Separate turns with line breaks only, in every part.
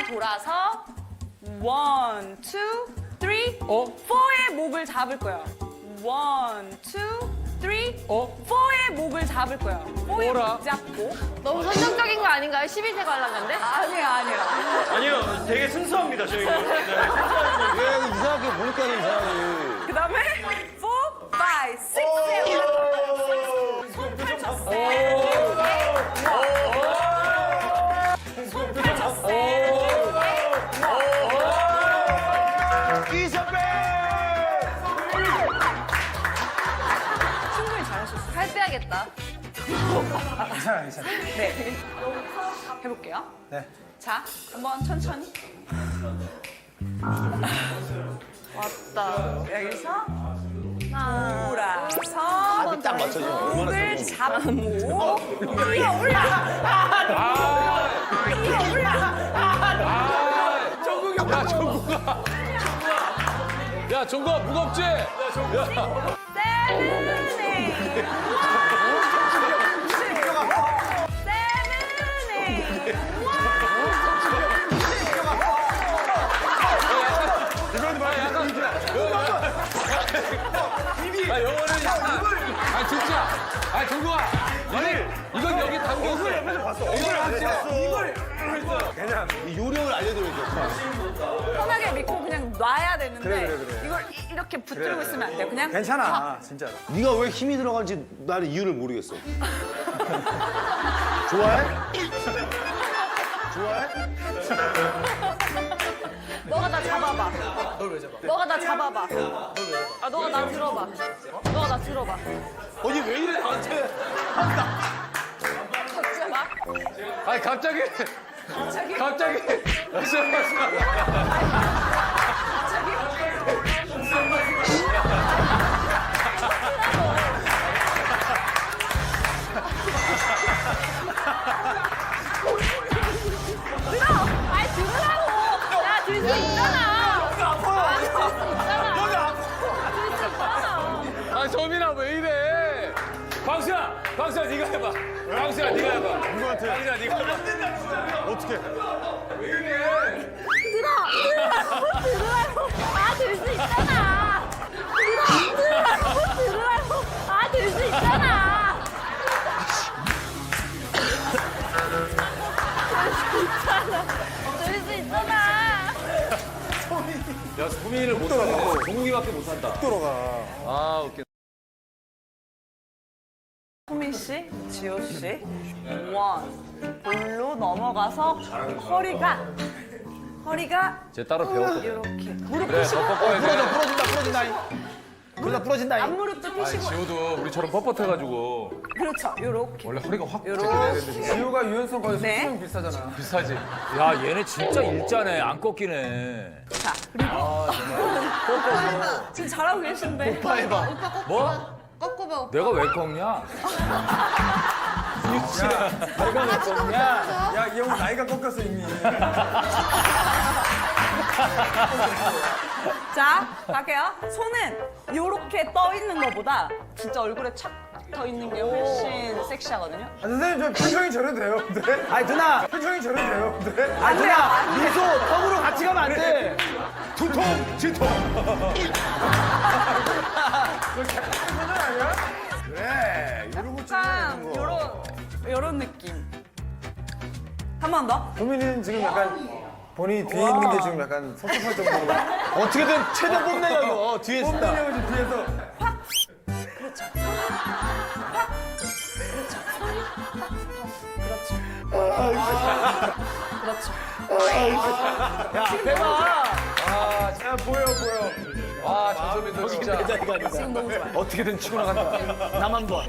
돌아서 1, 2, 3, 4의 목을 잡을 거예요. 1, 2, 3, 4의 목을 잡을 거예요. 4의
뭐라?
목 잡고.
너무 선정적인 거 아닌가요? 11세 관람가인데?
아니에요, 아니에요.
아니요, 되게 순수합니다, 저희는.
왜 이상하게 보니까 이상하게.
그 다음에 4, 5, 6, 7. 손 펼쳤어요. 손 펼쳤어요.
이선배!
충분히 잘하셨어요.
살 빼야겠다.
괜찮아, 괜찮아.
네. 해볼게요.
네.
자, 한번 천천히. 왔다. 여기서 돌아서
딱 맞춰줘.
목을 잡고 뛰어 올라. 뛰어 올라.
야, 정국아. 야, 정국아, 무겁지?
세븐에.
아, 영어는. 아, 진짜. 아, 정국아. 이건 여기 담겼어.
그냥 이 요령을 알려드릴게요.
편하게 믿고 그냥 놔야 되는데
그래.
이걸 이렇게 붙들고 있으면 안 돼요. 그냥
괜찮아, 진짜로.
네가 왜 힘이 들어간지 나는 이유를 모르겠어. 좋아해? 좋아해?
너가 나 잡아봐. 너가 나 잡아봐. 아, 너가 나 들어봐. 너가 나 들어봐.
아니 왜 이래 나한테?
잡아.
아니, 갑자기. 갑자기.
아니, 들으라고. 야, 들 수 있잖아. 여기 아파요. 들수 있잖아. 여기 아파. 들수 있잖아.
아, 소민아, 왜 이래? 광수야, 네가 해봐. 광수야, 네가 해봐.
누구한테?
광수야, 네가 해봐.
어떻게?
들으라고. 아, 들 수 있잖아. 들으라고. 아, 들 수 있잖아. 들 수 있잖아.
야, 소민이를 못하네. 종국이밖에 못한다.
돌아가.
아, 웃겨.
소민 씨, 지호 씨, 볼로 넘어가서 허리가
쟤 따로 배웠거든.
이렇게 무릎
그래,
펴시고
더 꺾어야 돼.
부러진다. 그러다 부러진다.
앞무릎도 펴시고
지호도 우리처럼 뻣뻣해가지고
그렇죠, 요렇게
원래 허리가 확
요렇게
지호가 유연성 거의
네.
수명 비슷하잖아.
비싸지. 야, 얘네 진짜 일자네. 안 꺾이네.
자 그리고 지금 잘하고 계신데
뭐?
꺾고 봐.
내가 왜 꺾냐?
야, 이 형은 나이가 꺾였어, 이미.
자 갈게요. 손은 요렇게 떠 있는 것보다 진짜 얼굴에 착 떠 있는 게 훨씬 섹시하거든요.
아, 선생님, 저 표정이 저래도 돼요, 근데? 아니, 누나! 표정이 저래도 돼요, 근데?
안 돼요, 안 돼요.
미소, 턱으로 같이 가면 안 돼! 두통, 지통! 그래, 이런 거
약간 요런 느낌. 한 번 더.
도민이는 지금 약간 본인이 뒤에 있는 게 지금 약간 섭섭할 정도로
어떻게든 최대 뽐내요 이거 뒤에서.
뽐내려고 지금 뒤에서
그렇죠.
야, 대박! 아,
야, 보여.
와, 전소민 너 진짜.
지금 너무 좋아요.
어떻게든 치고 나간다. 나만 봐.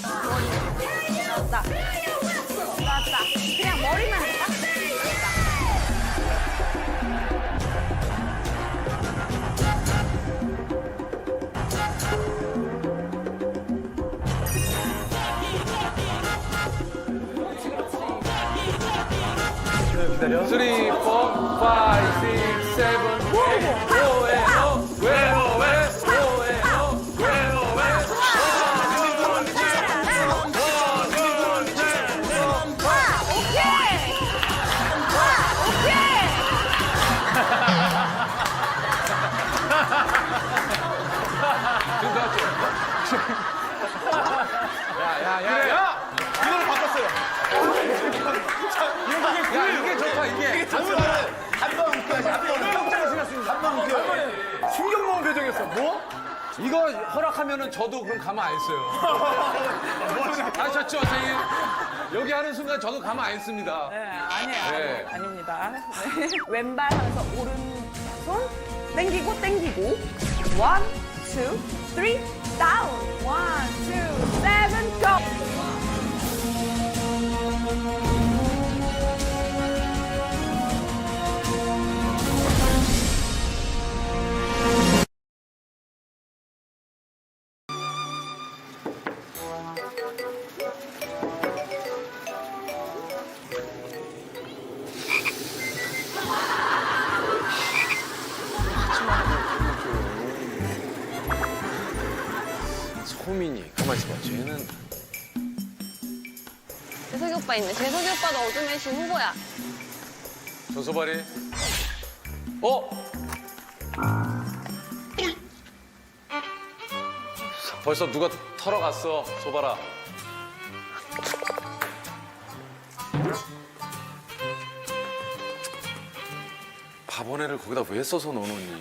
나왔다. 그냥 머리만 해봐.
기다려.
3, 4, 5, 6, 7, 8,
1, 2, 3, 4, 5, 6, 7, 8, 9, 10.
이거 허락하면은 저도 그럼 가만 안 써요. 아셨죠, 선생님? 여기 하는 순간 저도 가만 안 씁니다.
네, 아니에요.
네.
아닙니다. 네. 왼발 하면서 오른손 땡기고 땡기고. 1, 2, 3, 다운. 1, 2, 7, go.
소민이, 가만히 있어봐. 쟤는
재석이 오빠 있네. 재석이 오빠도 어둠의 신 후보야.
조소발이. 어? 벌써 누가 털어갔어, 소발아. 바보네를 거기다 왜 써서 넣어놓니?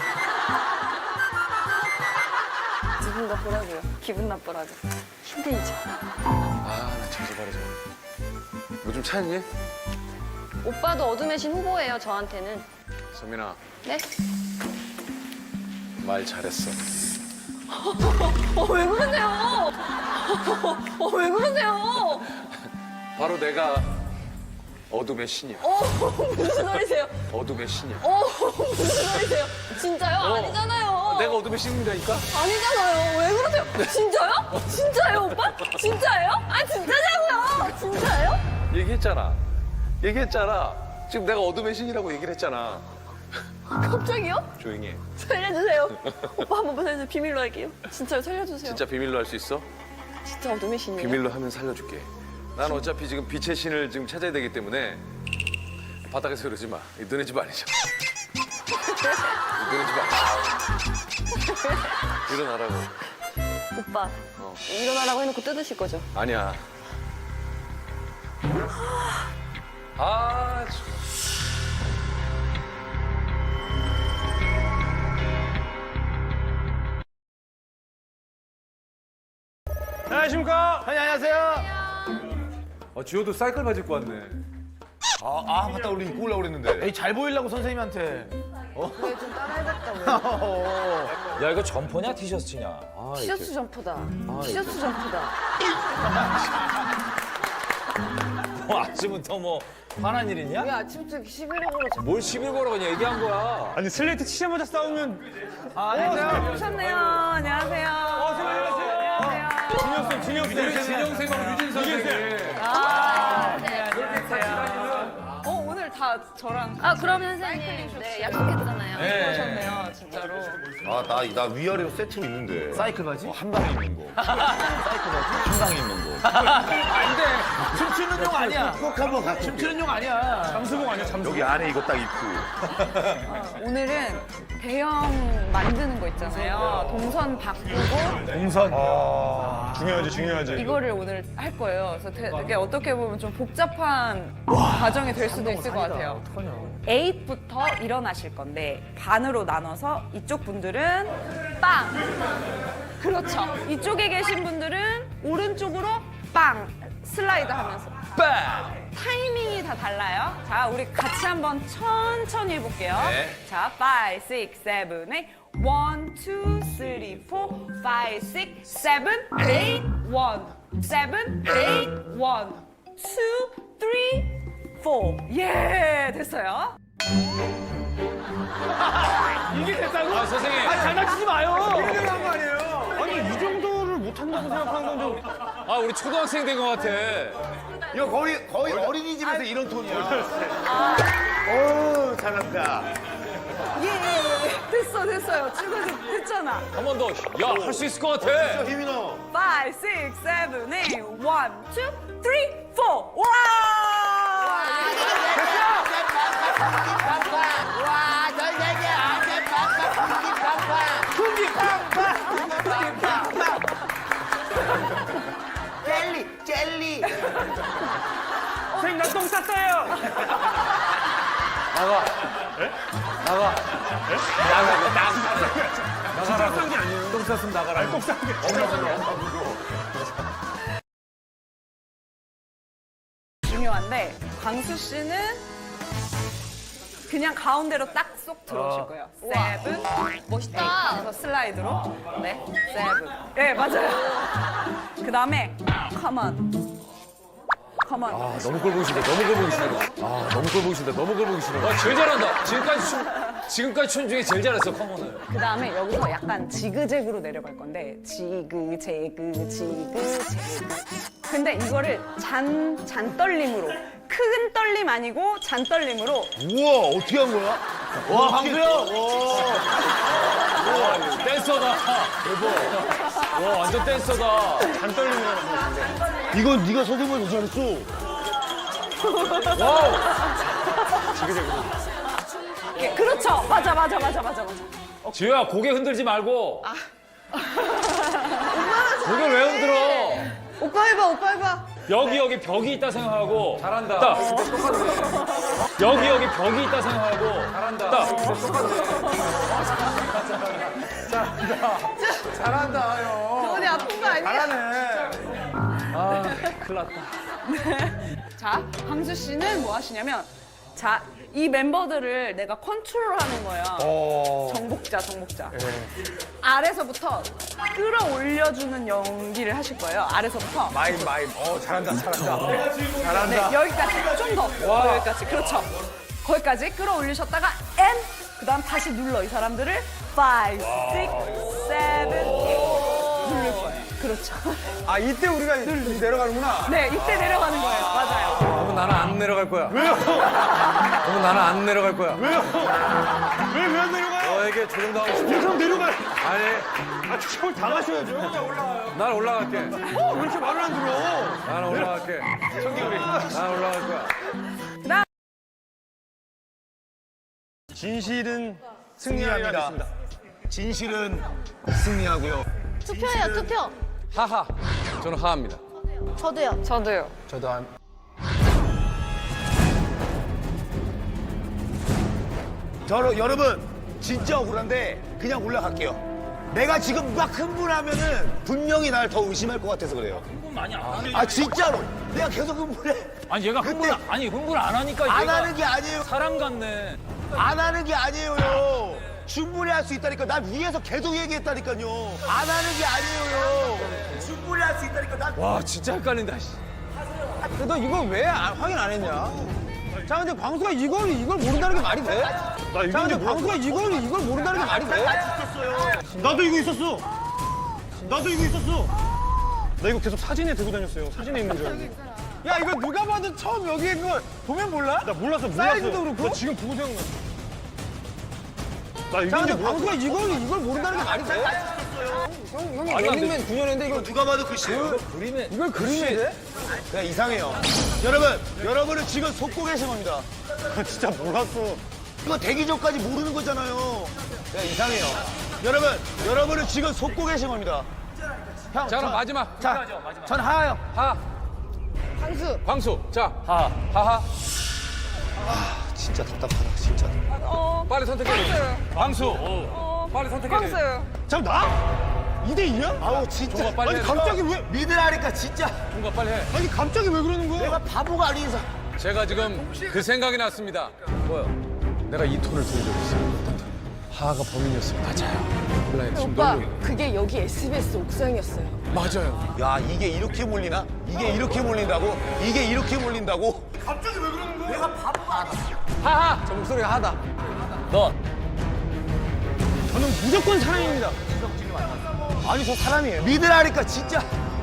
기분 나쁘라고요. 기분 나쁘라고. 힘들죠.
아, 나 조소발이 좀. 뭐 좀 찾니?
오빠도 어둠의 신 후보예요, 저한테는.
소민아,
네?
말 잘했어.
왜 그러세요? 왜 그러세요?
바로 내가 어둠의 신이야.
무슨 소리세요?
어둠의 신이야.
무슨 소리세요? 진짜요? 아니잖아요.
내가 어둠의 신이라니까?
아니잖아요. 왜 그러세요? 진짜요? 진짜요, 오빠? 진짜예요? 아, 진짜냐고요? 진짜예요?
얘기했잖아. 지금 내가 어둠의 신이라고 얘기를 했잖아.
갑자기요?
조용히 해.
살려주세요. 오빠 한 번만 살려주세요. 비밀로 할게요. 진짜요, 살려주세요.
진짜 비밀로 할 수 있어?
진짜 어둠의 신이에요?
비밀로 하면 살려줄게. 난 어차피 지금 빛의 신을 지금 찾아야 되기 때문에 바닥에서 그러지 마. 이 너네 집 아니잖아. 이 너네 집 아니잖아. 일어나라고.
오빠, 일어나라고 해놓고 뜯으실 거죠?
아니야. 아,
안녕하십니까?
안녕하세요.
지호도 사이클 바지 입고 왔네.
아, 맞다. 우리 입고 오려고 그랬는데.
에이, 잘 보이려고 선생님한테.
야 이거 점퍼냐 티셔츠냐? 아,
티셔츠 점퍼다. 티셔츠 점퍼다.
뭐 아침부터 뭐 화난 일 있냐?
아침부터 11호로
뭘 시비 걸어 그냥 얘기한 거야.
아니, 슬레이트 치자마자 싸우면.
오셨네요. 안녕하세요. 안녕하세요.
우리 진영쌤하고 유진선생님.
오늘 다 저랑
아, 그럼 선생님. 네, 약속했잖아요.
오셨네요, 진짜로.
아, 나 위아래로 세트로 있는데.
사이클 바지?
한 방에 입는 거. 사이클 바지? 한 방에 입는 거.
안 돼. 춤추는 용 아니야.
꼭 한번 같이.
춤추는 용 아니야. 잠수복 아니야, 잠수복.
여기 안에 이거 딱 입고.
오늘은 대형 만드는 거 있잖아요. 동선 바꾸고
동선. 중요하지.
이거를 오늘 할 거예요. 그래서 되게 어떻게 보면 좀 복잡한 과정이 될 수도 있을 것 같아요. 8부터 일어나실 건데 반으로 나눠서 이쪽 분들은 빵. 그렇죠. 이쪽에 계신 분들은 오른쪽으로 빵 슬라이드 하면서 빵. 타이밍이 다 달라요. 자, 우리 같이 한번 천천히 해볼게요. 자, 5, 6, 7, 8. 1, 2, 3, 4, 5, 6, 7, 8. 1, 7, 8. 1, 2, 3, 4. 예, 됐어요.
이게 됐다고?
아, 선생님.
장난치지 마요. 이렇게 한거 아니에요? 아니, 이 정도를 못한다고 생각하는 건 좀.
아, 우리 초등학생 된 것 같아.
이거 거의 어린이집에서 이런 톤이야. 오, 잘한다.
예, 됐어요. 지금 됐잖아.
한 번 더. 야, 할 수 있을 것 같아.
힘이 나.
5, 6, 7, 8. 1, 2, 3, 4. 와!
젤리.
선생님, 나 똥 쌌어요.
나가. 나가라. 똥 쌌으면 나가라. 똥 쌌.
중요한데 광수 씨는 그냥 가운데로 딱 쏙 들어오실 거예요. 세븐.
멋있다.
그래서 슬라이드로. 네. 세븐. 네, 맞아요. 그 다음에 컴온. 컴온.
아, 너무 꼴 보기 싫다. 너무 꼴 보기 싫어. 아, 너무 꼴 보기 싫다. 너무 꼴 보기 싫어.
와, 제일 잘한다. 지금까지 춤 중에 제일 잘했어, 커먼을.
그 다음에 여기서 약간 지그재그로 내려갈 건데 지그재그. 근데 이거를 잔떨림으로 큰 떨림 아니고 잔떨림으로
우와, 어떻게 한 거야? 와, 방수야!
댄서다. 대박. 와, 완전 댄서다.
이건 네가 선생님을 잘했어.
와우.
예, 그렇죠. 맞아.
지효야, 고개 흔들지 말고. 고개 왜 흔들어?
오빠 해봐.
여기 벽이 있다 생각하고. 잘한다. 여기 벽이 있다 생각하고. 잘한다.
잘한다, 형.
어디 아픈 거 아니야?
잘하네.
큰일 났다.
자, 광수 씨는 뭐 하시냐면 자, 이 멤버들을 내가 컨트롤하는 거예요. 정복자. 아래서부터 끌어올려주는 연기를 하실 거예요. 아래서부터.
마임. 잘한다.
네, 여기까지. 좀 더. 여기까지. 그렇죠. 거기까지 끌어올리셨다가 N. 그 다음 다시 눌러. 이 사람들을 5, 6, 7, 8 누를 거예요. 그렇죠.
아, 이때 우리가 내려가는구나.
네, 이때 내려가는 거예요. 맞아요.
그러면 나는 안 내려갈 거야. 왜요? 그러면 나는 안 내려갈 거야.
왜 안 내려가요?
너에게 조정당하고 싶지
그럼 내려가요.
아니,
아, 추첨을 당하셔야죠.
난 올라갈게.
왜 이렇게 말을 안 들어?
나는 올라갈게. 난 올라갈 거야.
그다음
진실은 승리합니다. 진실은 승리하고요.
투표예요, 투표.
하하. 저는 하합니다.
저도요.
저도 한.
여러분, 진짜 억울한데 그냥 올라갈게요. 내가 지금 막 흥분하면은 분명히 날 더 의심할 것 같아서 그래요.
흥분 많이 안 하네.
아, 진짜로. 내가 계속 흥분해.
아니, 얘가 흥분 안 하니까
안
얘가
하는 게 아니에요.
사람 같네.
안 하는 게 아니에요. 충분히 할 수 있다니까. 난 위에서 계속 얘기했다니까요. 안 하는 게 아니에요. 충분히 할 수 있다니까. 난
와, 진짜 헷갈린다. 씨.
너 이걸 왜 확인 안 했냐? 자, 근데 광수가 이걸 모른다는 게 말이 돼? 자, 근데 광수가 이걸 모른다는 게 말이 돼? 나도 이거 있었어. 나 이거 계속 사진에 들고 다녔어요. 사진에 있는 줄 알고. 야, 이거 누가 봐도 처음 여기에 그거 보면 몰라? 나 몰랐어. 사이즈도 그렇고. 나 지금 보고 생각나. 나 이거 근데 광수가 이걸 모른다는 게 말이 돼? 형이 런닝맨 9년 했는데 이거
누가 봐도 글씨예요.
이걸 그림이 돼?
그냥 이상해요. 여러분은 지금 속고 계신 겁니다.
진짜 몰랐어.
이거 되기 전까지 모르는 거잖아요. 그냥 이상해요. 여러분은 지금 속고 계신 겁니다.
자, 그럼 마지막.
자, 전 하요.
하. 광수. 자, 하하.
진짜 답답하다, 진짜.
빨리 선택해. 광수. 빨리 선택해.
광수.
잠 나? 2대2야?
아우, 진짜.
종아, 빨리
아니
해.
갑자기 왜?
믿으라니까, 진짜.
뭔가 빨리 해.
아니 갑자기 왜 그러는 거야?
내가 바보가 아닌 이상.
제가 지금 그 생각이 났습니다. 뭐요? 내가 이 톤을 들은 적이 있어요. 어떤 톤? 하하가 범인이었으면 맞아요. 온라인 지금
오빠,
너무
그게 여기 SBS 옥상이었어요.
맞아요.
야, 이게 이렇게 몰리나? 이게 이렇게 몰린다고? 이게 이렇게 몰린다고?
하하. 저 목소리가 하다.
너
저는 무조건 사람입니다. 아니 저 사람이에요.
믿으라니까, 진짜.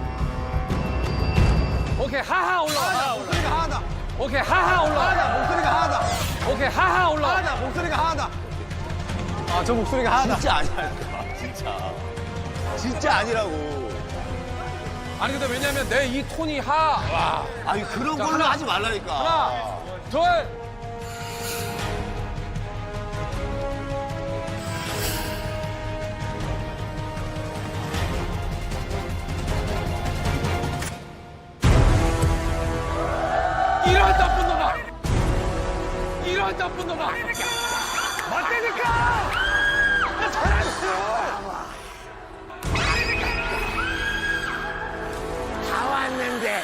오케이 하하 올라가.
목소리가 하하다.
오케이 하하 올라가.
하하다. 목소리가 하하다.
오케이 하하 올라가.
하하다. 목소리가 하하다. 아 저 목소리가 하하다.
진짜 아니라니까, 진짜. 진짜 아니라고.
아니 근데 왜냐면 내 이 톤이 하.
아니, 그런
자,
걸로
하나.
하지 말라니까.
하나, 둘. 이런 나쁜 놈아! 이런 나쁜 놈아!
맞다니까! 나 잘했어.
되는데.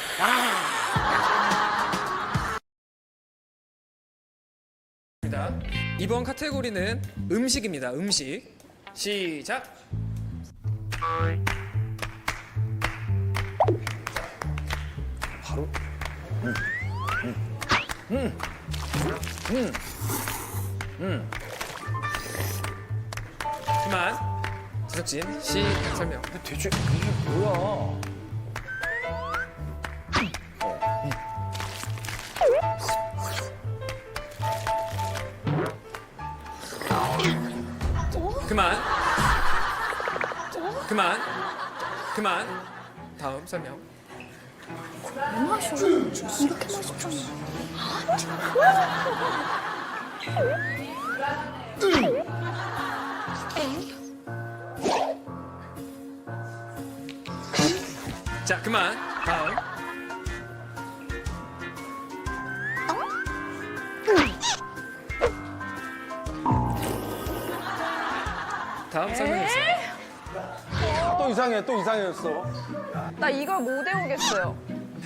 이번 카테고리는 음식입니다. 음식. 시작. 그만. 제작진 시 설명.
대체 이게 뭐야?
그만. 그만. 그만. 다음 설명. 자, 그만. 다음. 다음 설명해주세요.
또 이상해, 또 이상해졌어.
나 이걸 못 외우겠어요.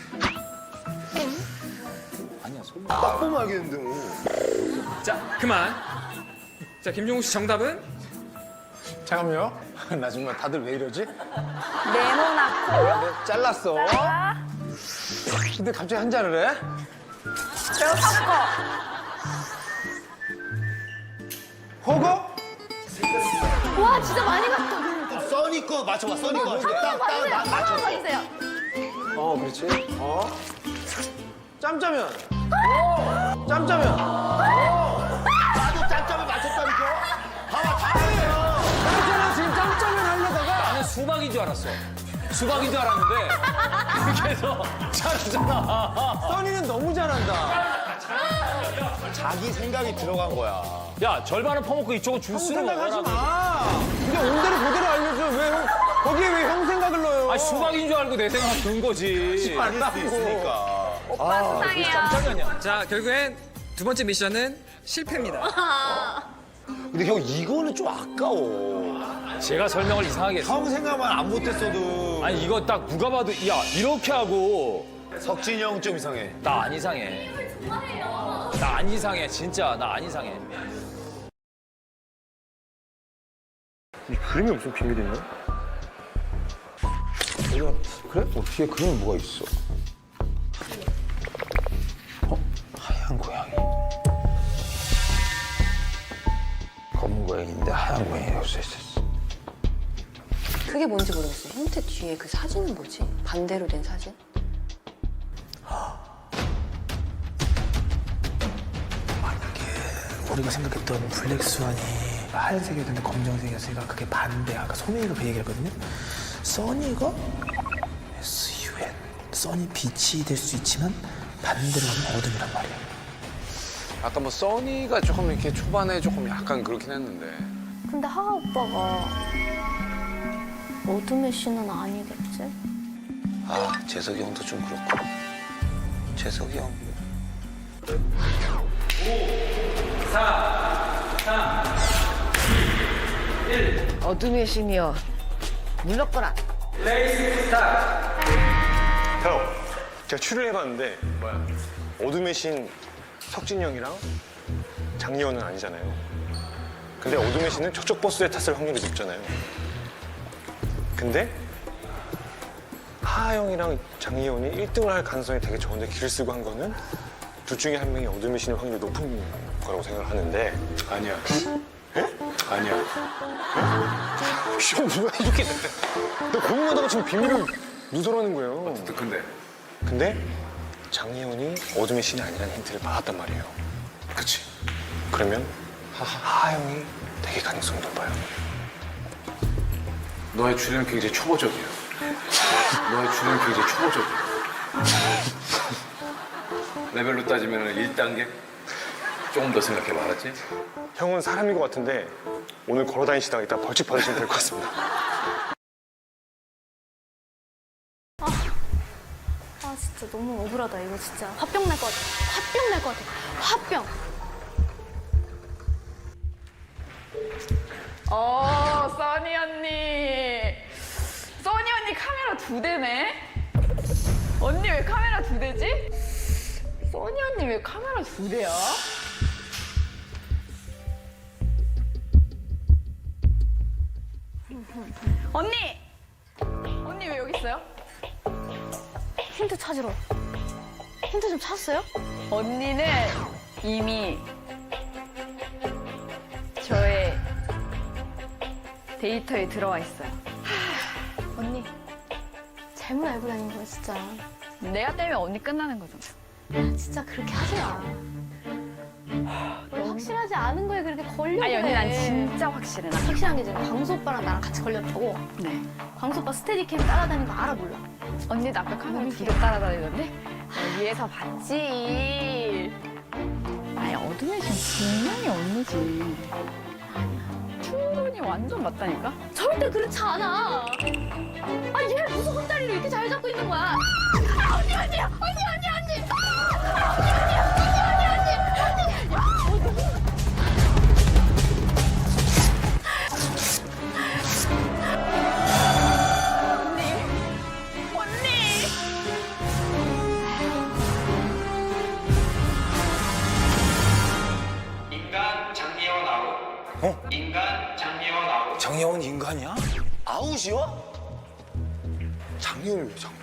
딱 보면 알겠는데 뭐.
자, 그만. 자, 김종국 씨 정답은?
잠깐만요. 나 정말 다들 왜 이러지?
네모나코.
잘랐어. 근데 갑자기 한자를 해?
제가 섞어.
허거?
와 진짜 많이 갔다.
써니 거 맞춰봐, 써니 거. 딱 맞춰.
봐주세요.
그렇지. 짬짜면. 짬짜면.
나도 짬짬을 맞췄다니까. 봐봐, 다행이야.
짬짜면 지금 짬짜면 하려다가
나는 수박인 줄 알았어. 수박인 줄 알았는데 이렇게 해서 잘하잖아.
써니는 너무 잘한다.
자기 생각이 들어간 거야.
야 절반은 퍼먹고 이쪽은 주스를
생각하지
먹어라.
마. 그냥 온대로 그대로 알려줘. 왜 거기에 왜 형 생각을 넣어요?
아 수박인 줄 알고 내 생각 든 거지.
아닐 수 있으니까.
오빠 수상해요.
깜짝이야.
자, 결국엔 두 번째 미션은 실패입니다.
근데 형 이거는 좀 아까워.
제가 설명을 이상하게 했어.
형 생각만 안 못했어도.
아니 이거 딱 누가 봐도 야 이렇게 하고
석진이 형 좀 이상해.
나 안 이상해. 나 안 이상해 진짜 나 안 이상해.
이 그림이 무슨 비밀이냐? 그래? 뒤에 그림이 뭐가 있어? 하얀 고양이. 검은 고양이인데 하얀 고양이라고 써있었어.
그게 뭔지 모르겠어요. 형태 뒤에 그 사진은 뭐지? 반대로 된 사진?
우리가 생각했던 블랙스완이 하얀색이었는데 검정색이었으니까 그게 반대. 아까 소명이가 그 얘기했거든요. 써니가 SUN. 써니 빛이 될 수 있지만 반대로 하면 어둠이란 말이야.
아까 뭐 써니가 조금 이렇게 초반에 조금 약간 그렇긴 했는데.
근데 하하 오빠가 어둠의 신은 아니겠지?
아, 재석이 형도 좀 그렇고. 재석이 형.
어둠의 신이여 물러거라.
형, 제가 추리를 해봤는데 어둠의 신 석진이 형이랑 장리호는 아니잖아요. 근데 어둠의 신은 저쪽 버스에 탔을 확률이 높잖아요. 근데 하하 형이랑 장리호는 1등을 할 가능성이 되게 적은데 길을 쓰고 한 거는 둘 중에 한 명이 어둠의 신의 확률이 높은 거라고 생각을 하는데
아니야.
에?
아니야.
형 뭐야 이렇게 나 고민하다가 지금 비밀을 누설하는 거예요. 근데 장리호이 어둠의 신이 아니라는 힌트를 받았단 말이에요.
그치.
그러면 하하 형이 되게 가능성이 높아요.
너의 추리는 굉장히 초보적이야. 너의 추리는 굉장히 초보적이야. 레벨로 따지면 1단계? 조금 더 생각해봐, 알았지?
형은 사람인 것 같은데 오늘 걸어 다니시다가 이따 벌칙 받으시면 될 것 같습니다.
아 진짜 너무 억울하다 이거 진짜. 화병 날 것 같아. 화병 날 것 같아. 화병.
써니 언니. 써니 언니 카메라 2대네.
언니 왜 카메라 2대지? 써니 언니 왜 카메라 2대야? 언니! 언니 왜 여기 있어요?
힌트 찾으러. 힌트 좀 찾았어요?
언니는 이미 저의 데이터에 들어와 있어요.
언니, 잘못 알고 다닌 거야, 진짜.
내가 때문에 언니 끝나는 거잖아.
진짜 그렇게 하지 마. 확실하지 않은 거에 그렇게 걸려고
아니 언니
해.
난 진짜 확실해. 나
확실한 게 지금 광수 오빠랑 나랑 같이 걸렸다고.
네.
광수 오빠 스테디캠 따라다니는 거 알아 몰라?
언니도 아까 카메라 2대 따라다니던데? 위에서 봤지. 아니 어둠의 신 분명히 언니지. 충분히 완전 맞다니까?
절대 그렇지 않아. 아, 얘 무슨 손다리를 이렇게 잘 잡고 있는 거야? 아, 언니, 언니, 언니, 언니, 언니. 아, 언니, 언니, 언니, 언니, 언니, 언니.
인간 장미원 아웃. 인간 장미원 아웃.
장혜원 인간이야? 아웃이요? 장혜원이요, 장혜원.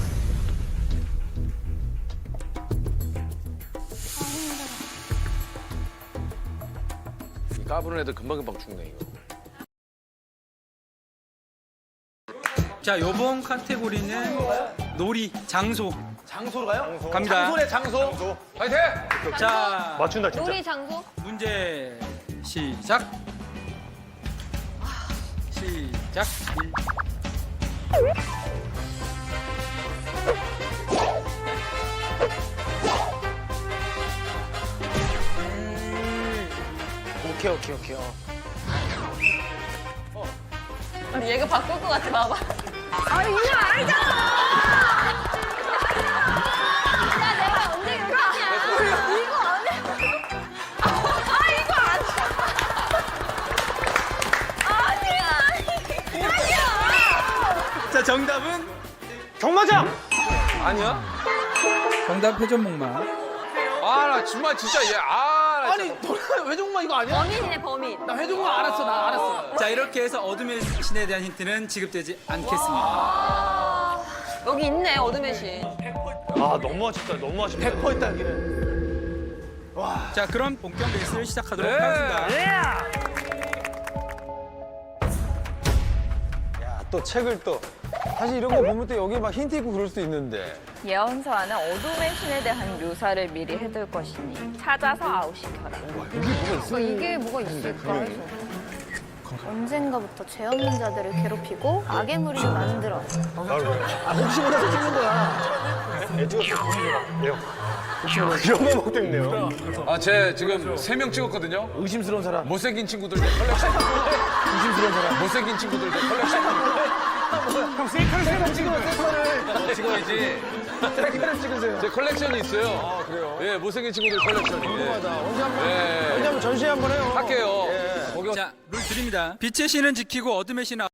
이 까부는 애들 금방금방 죽네 이거.
자, 요번 카테고리는 놀이, 장소
장소로 가요?
갑니다.
장소네, 장소.
파이팅!
자,
맞춘다 진짜.
놀이 장소?
문제 시작. 시작.
오케이.
언니 얘가 바꿀 것 같아 봐봐.
아, 이거 알잖아! 야, 내가 언제 이렇게 하냐? 이거 안 해.
이거 아니야.
자, 정답은
경마장.
아니야?
정답 회전목마.
아 나 정말 진짜 얘 나
아니, 외종마 이거 아니야?
범인이네 범인.
나 회종마 알았어, 나 알았어.
자, 이렇게 해서 어둠의 신에 대한 힌트는 지급되지 않겠습니다.
여기 있네 어둠의 신.
아 너무 아쉽다. 너무 아쉽다.
100% 있다, 여기는.
자, 그럼 본격 레이스를 시작하도록
네.
하겠습니다.
야, 또 책을 또. 사실 이런 거 보면 또 여기 막 힌트 있고 그럴 수도 있는데.
예언서와는 어둠의 신에 대한 묘사를 미리 해둘 것이니 찾아서 아웃시켜라.
이게 뭐가 있을까 해서. 언젠가부터 죄 없는 자들을 괴롭히고 악의 무리를 만들어.
혹시 몰라서 찍는 거야.
애 찍었어. 왜요? 이런 거 먹고 있네요.
제 지금 3명 찍었거든요.
의심스러운 사람.
못생긴 친구들 컬렉션.
의심스러운 사람.
못생긴 친구들 컬렉션.
형, 셀카를 찍으면 셀카를.
찍어야지.
셀카를 찍으세요.
제 컬렉션이 있어요.
아, 그래요?
예, 못생긴 친구들 컬렉션이.
궁금하다. 언제 한번,
예.
언제 한번 전시회 한번 해요.
할게요.
예.
자, 룰 드립니다. 빛의 신은 지키고 어둠의 신은